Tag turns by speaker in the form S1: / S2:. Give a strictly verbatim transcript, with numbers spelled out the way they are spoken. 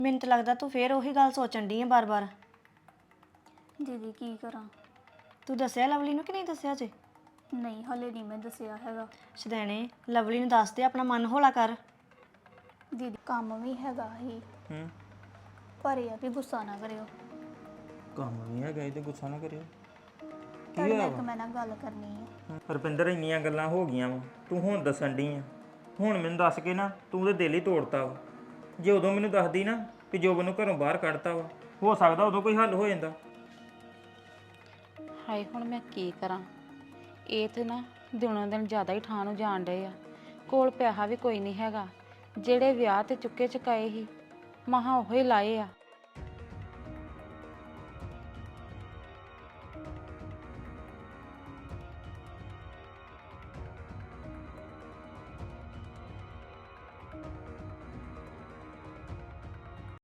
S1: ਮੈਨੂੰ ਤਾਂ ਲੱਗਦਾ ਤੂੰ ਫੇਰ ਉਹੀ ਗੱਲ ਸੋਚਣ ਡਈ ਆ ਬਾਰ-ਬਾਰ।
S2: ਦੀਦੀ ਕੀ ਕਰਾਂ?
S1: ਤੂੰ ਦੱਸਿਆ ਲਵਲੀ ਨੂੰ ਕਿ ਨਹੀਂ ਦੱਸਿਆ ਜੇ?
S2: ਨਹੀਂ ਹਲੇ ਨਹੀਂ ਮੈਂ ਦੱਸਿਆ ਹੈਗਾ।
S1: ਸ਼ਦੈਣੇ ਲਵਲੀ ਨੂੰ ਦੱਸ ਦੇ, ਆਪਣਾ ਮਨ ਹੌਲਾ ਕਰ।
S2: ਦੀਦੀ ਕੰਮ ਵੀ ਹੈਗਾ ਹੀ
S3: ਹੂੰ
S2: ਪਰ ਇਹ ਆ ਵੀ ਗੁੱਸਾ ਨਾ ਕਰਿਓ।
S3: ਕੰਮ ਵੀ ਹੈਗਾ ਇਹ ਤੇ ਗੁੱਸਾ ਨਾ ਕਰਿਓ।
S2: ਤੁਹਾਡੇ ਨਾਲ ਇੱਕ ਮੈਂ ਨਾ ਗੱਲ ਕਰਨੀ ਹੈ।
S3: ਰੁਪਿੰਦਰ ਇੰਨੀਆਂ ਗੱਲਾਂ ਹੋ ਗਈਆਂ ਵਾ, ਤੂੰ ਹੁਣ ਦੱਸਣ ਡਈ ਆ। ਹੁਣ ਮੈਨੂੰ ਦੱਸ ਕੇ ਨਾ ਤੂੰ ਤੇ ਦਿਲ ਹੀ ਤੋੜਤਾ ਵਾ। ਜੇ ਉਦੋਂ ਮੈਨੂੰ ਦੱਸਦੀ ਨਾ ਕਿ ਜੋਬਨ ਨੂੰ ਘਰੋਂ ਬਾਹਰ ਕੱਢਤਾ ਵਾ, ਹੋ ਸਕਦਾ ਉਦੋਂ ਕੋਈ ਹੱਲ ਹੋ ਜਾਂਦਾ।
S4: ਹਾਏ ਹੁਣ ਮੈਂ ਕੀ ਕਰਾਂ? ਇਹ ਤੇ ਨਾ ਦਿਨੋਂ ਦਿਨ ਜ਼ਿਆਦਾ ਹੀ ਠਾਹ ਨੂੰ ਜਾਣ ਡਏ ਆ। ਕੋਲ ਪੈਸਾ ਵੀ ਕੋਈ ਨਹੀਂ ਹੈਗਾ। ਜਿਹੜੇ ਵਿਆਹ ਤੇ ਚੁੱਕੇ ਚੁਕਾਏ ਸੀ ਮਹਾਂ ਉਹ ਹੀ ਲਾਏ ਆ।